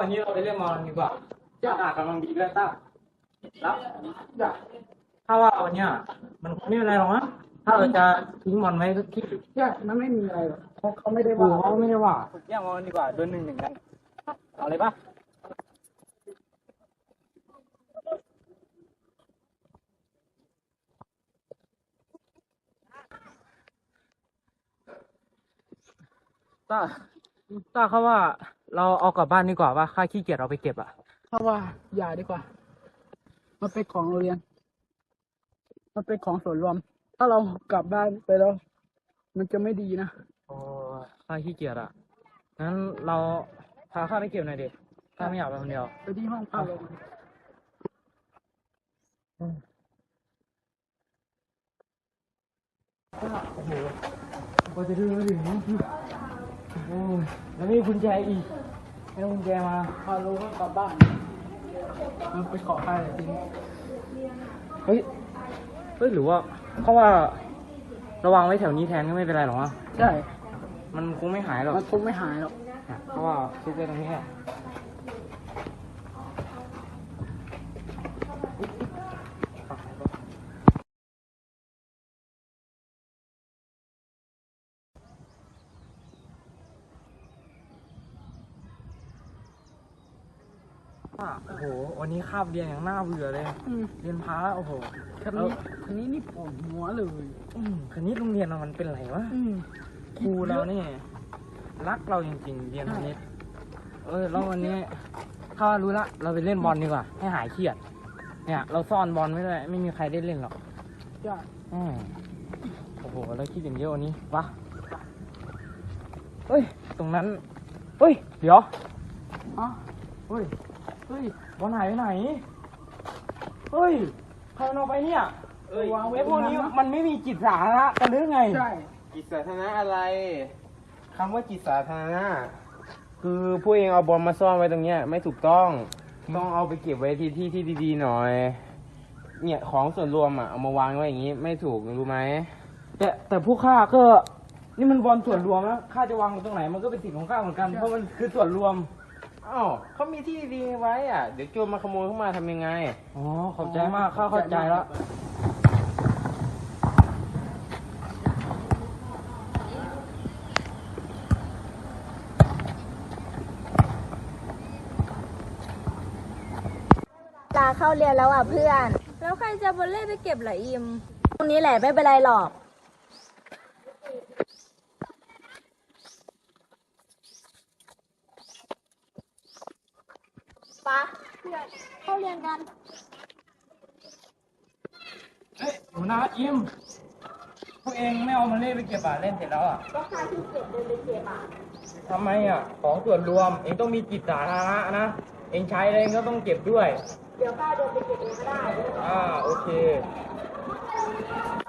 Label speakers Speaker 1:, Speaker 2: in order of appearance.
Speaker 1: วันนี้เราไปเล่นบอลดีกว่าอากาศกำลังดีด้วยต้าแล้วถ้าว่าวันเนี้ยมันไม่เป็นไรหรอกนะถ้าเราจะทิ้งบอลไว้สักที่
Speaker 2: ใช่มันไม่มีอะไรหรอกเขาไม่ได้
Speaker 1: กู
Speaker 2: ว่า
Speaker 1: เขาไม่ได้ว่าแย่งบอลดีกว่าโดนหนึ่งกันเอาเลยปะต้าเขาว่าเราเอากลับบ้านดีกว่าว่าค่าขี้เกียจเราไปเก็บอ่ะ
Speaker 2: เพราะว่าอย่าดีกว่ามันเป็นของโรงเรียนมันเป็นของส่วนรวม ถ้าเรากลับบ้านไปแล้วมันจะไม่ดีนะ
Speaker 1: โอ้ค่าขี้เกียจอ่ะงั้นเราพาข้าไปเก็บหน่อยดิข้าไม่อยากไปคนเดียว
Speaker 2: ไปที่ห้องพักเลย
Speaker 1: โอ้โหกว่าจะถึงโอ้ยแล้วมีกุญแจอีกไม่ต้องกุญแจมา
Speaker 2: พาลูกกลับบ้านมันไปขอใครจริง
Speaker 1: เฮ้ยหรือว่าเขาว่าระวังไว้แถวนี้แทนก็ไม่เป็นไรหรอกวะ
Speaker 2: ใช่
Speaker 1: มันคงไม่หายหรอก
Speaker 2: มันคงไม่หายหรอก
Speaker 1: เพราะว่าคิดไว้ตรงนี้แหละโอ้โหวันนี้คาบเรียนอย่างน่าเบื่อเลยเรียนพาโอ้โห
Speaker 2: คณิตนี่ปวดหัวเลย
Speaker 1: คณิตโรงเรียนเรามันเป็นไรวะครูเราเนี่ยรักเราจริงๆเรียนคณิตแล้ววันนี้ถ้ารู้ละเราไปเล่นบอลดีกว่าให้หายเครียดเนี่ยเราซ่อนบอลไว้ด้วยไม่มีใครได้เล่นหรอก
Speaker 2: ใช่
Speaker 1: โอ้โหแล้วคิดอย่างเยอะวันนี้วะเฮ้ยตรงนั้นเฮ้ยเดี๋ยวเฮ้ยบอลหายไปไหนเฮ้ยใครเอาไปเนี่ย
Speaker 2: วางไว้
Speaker 1: พวกนี้มันไม่มีจิตสาธารณะกันหรือไง
Speaker 2: ใช่
Speaker 3: จิตสาธารณะอะไรคำว่าจิตสาธารณะคือผู้เองเอาบอลมาซ่อนไว้ตรงเนี้ยไม่ถูกต้องเอาไปเก็บไว้ที่ดีๆหน่อยเนี่ยของส่วนรวมอ่ะเอามาวางไว้อย่างนี้ไม่ถูกรู้ไหม
Speaker 1: แต่ผู้ข้าก็นี่มันบอลส่วนรวมนะข้าจะวางตรงไหนมันก็เป็นสิทธิ์ของข้าเหมือนกันเพราะมันคือส่วนรวม
Speaker 3: อ้าวเขามีที่ดีไว้อ่ะเดี๋ยวโจรมาขโมยเข้ามาทำยังไง
Speaker 1: อ๋อขอบใจมากข้าเข้าใจแล้ว
Speaker 4: ลาเข้าเรียนแล้วอ่ะเพื่อน
Speaker 5: แล้วใครจะบอลเล่ไปเก็บล่ะอิม
Speaker 4: ตรงนี้แหละไม่เป็นไรหรอกปะเพื่อนเข้าเรียนกัน
Speaker 1: หนูนะอิมพวกเองไม่เอามาเล่นไปเก็บเล่นเสร็จแล้ว
Speaker 4: ก็ค่าที่เก็บเดินไปเก็บ
Speaker 1: ทำไมของส่วนรวมเองต้องมีจิตสาธารณะนะเองใช้อะไรเองก็ต้องเก็บด้วย
Speaker 4: เดี๋ยวข้าเดินไปเก็บเองก็ได้
Speaker 1: โอเค